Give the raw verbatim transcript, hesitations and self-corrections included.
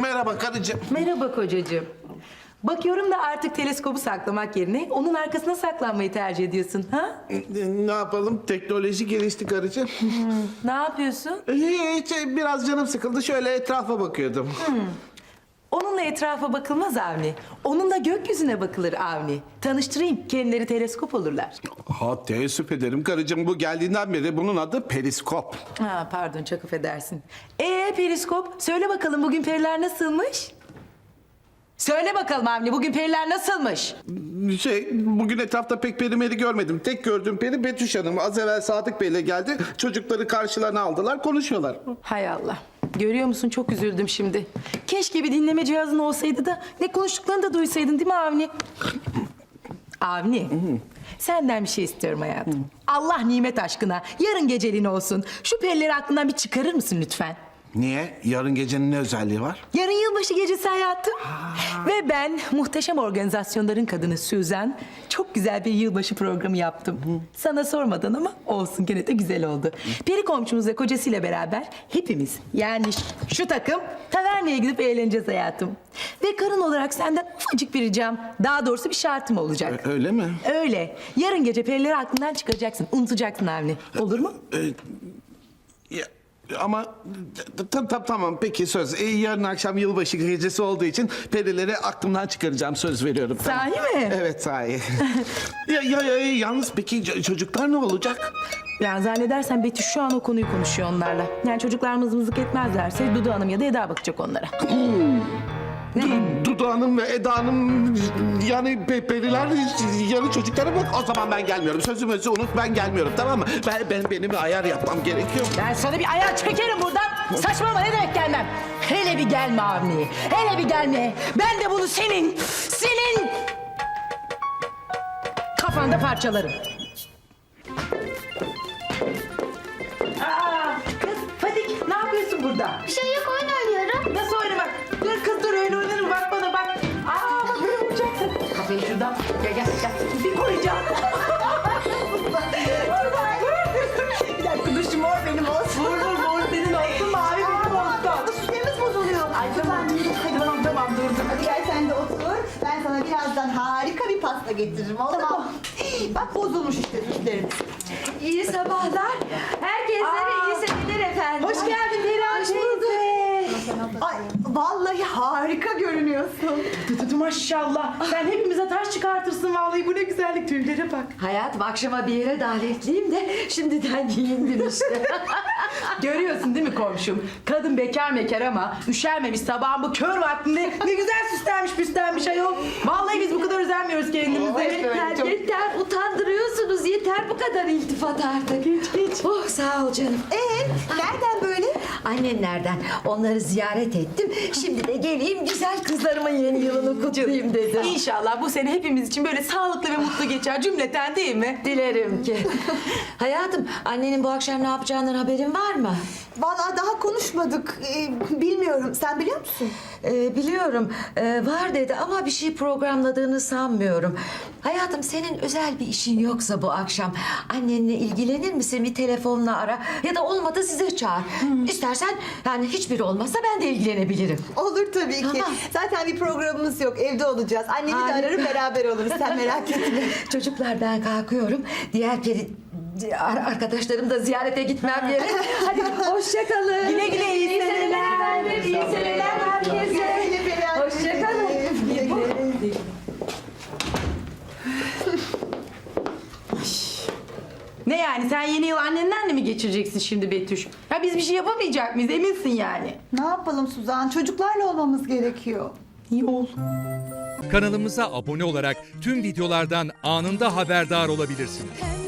Merhaba karıcığım. Merhaba kocacığım. Bakıyorum da artık teleskobu saklamak yerine onun arkasına saklanmayı tercih ediyorsun, ha? Ne yapalım? Teknoloji gelişti karıcığım. Ne yapıyorsun? Hiç, biraz canım sıkıldı. Şöyle etrafa bakıyordum. Onunla etrafa bakılmaz Avni. Onunla gökyüzüne bakılır Avni. Tanıştırayım, kendileri teleskop olurlar. Ha, teessüf ederim karıcığım. Bu geldiğinden beri bunun adı periskop. Ha, pardon, çok affedersin. Ee periskop, söyle bakalım bugün periler nasılmış? Söyle bakalım Avni, bugün periler nasılmış? Şey, bugün etrafta pek peri meri görmedim. Tek gördüğüm peri Betüş Hanım. Az evvel Sadık Bey'le geldi. Çocukları karşılarına aldılar, konuşuyorlar. Hay Allah. Görüyor musun, çok üzüldüm şimdi. Keşke bir dinleme cihazın olsaydı da ne konuştuklarını da duysaydın, değil mi Avni? Avni, senden bir şey istiyorum hayatım. Allah nimet aşkına yarın geceliğin olsun. Şu perileri aklından bir çıkarır mısın lütfen? Niye? Yarın gecenin ne özelliği var? Yarın yılbaşı gecesi hayatım. Ve ben muhteşem organizasyonların kadını Suzan çok güzel bir yılbaşı programı yaptım. Sana sormadan ama olsun, gene de güzel oldu. Peri komşumuz ve kocasıyla beraber hepimiz, yani şu takım taverneye gidip eğleneceğiz hayatım. Ve karın olarak senden ufacık bir ricam, daha doğrusu bir şartım olacak. Ö- öyle mi? Öyle. Yarın gece perileri aklından çıkaracaksın, unutacaksın Avni. Olur mu? Ee, ya, ama tam tam tamam peki söz. Ee, yarın akşam yılbaşı gecesi olduğu için perileri aklımdan çıkaracağım, söz veriyorum. Tamam. Sahi mi? Evet, sahi. ya, ya, ya, yalnız peki ç- çocuklar ne olacak? Yani zannedersen Betüş şu an o konuyu konuşuyor onlarla. Yani çocuklar mızmızlık etmezlerse Dudu Hanım ya da Eda bakacak onlara. Du- Dudu Hanım ve Eda Hanım, yani pe- periler yarın çocuklara bak. O zaman ben gelmiyorum. Sözümüzü unut, ben gelmiyorum, tamam mı? Ben, ben benim bir ayar yapmam gerekiyor. Ben sana bir ayağı çekerim buradan. Saçmalama, ne demek gelmem? Hele bir gelme Avni. Hele bir gelme. Ben de bunu senin, senin kafanda parçalarım. Aa, kız Fadik, ne yapıyorsun burada? Bir şey yok, oyun oynuyorum. Nasıl oynamak? Dur kız dur, öyle oynarım, bak bana bak. Aa bak, böyle vuracaksın. Kafayı şuradan. Gel gel gel. Bir koyacağım. Bir dakika, dur, şu mor benim olsun. Mor mor mor senin olsun, mavi benim olsun. Süremiz bozuluyor. Ay tamam, tamam tamam dur dur. Hadi gel sen de otur. Ben sana birazdan harika bir pasta getiririm, oldu mu? Bak bozulmuş işte süslerimiz. İyi sabahlar. Herkeslere Aa, iyi seneler efendim. Hoş geldin Perihan teyze. Ay vallahi harika görünüyorsun. Tutu maşallah. Sen hepimize taş çıkartırsın vallahi, bu ne güzellik, tüylere bak. Hayatım, akşama bir yere davetliyim de şimdiden giyindim işte. Görüyorsun değil mi komşum? Kadın bekar mekar ama üşermemiş sabahın bu kör vaktinde. Ne güzel süslenmiş püslenmiş ayol. Vallahi biz bu kadar özenmiyoruz kendimize. yeter, yeter. Utandırıyorsunuz. Yeter bu kadar iltifat artık. Geç geç. Oh, sağ ol canım. Ee, nereden böyle? Annenlerden onları ziyaret ettim. Şimdi de geleyim güzel kızlarımın yeni yılını kutlayayım dedim. İnşallah bu sene hepimiz için böyle sağlıklı ve mutlu geçer cümleten, değil mi? Dilerim ki. Hayatım, annenin bu akşam ne yapacağından haberin var mı? Vallahi daha konuşmadık. Ee, bilmiyorum. Sen biliyor musun? Ee, biliyorum, ee, var dedi ama bir şey programladığını sanmıyorum. Hayatım, senin özel bir işin yoksa bu akşam annenle ilgilenir misin? Bir telefonla ara ya da olmadı size çağır. İstersen, yani hiçbiri olmazsa ben de ilgilenebilirim. Olur tabii ki. Tamam. Zaten bir programımız yok. Evde olacağız. Annemi de Harika. ararım, beraber oluruz. Sen merak etme. Çocuklar, ben kalkıyorum. Diğer peri ar- arkadaşlarım da ziyarete gitmem gerek. Hadi hoşça kalın. Güle güle, iyi seneler. efendim. İyi seneler herkese. Hoşça kalın. Ne yani, sen yeni yıl annenlerle mi geçireceksin şimdi Betüş? Ha biz bir şey yapamayacak mıyız, eminsin yani? Ne yapalım Suzan? Çocuklarla olmamız gerekiyor. İyi ol. Kanalımıza abone olarak tüm videolardan anında haberdar olabilirsiniz.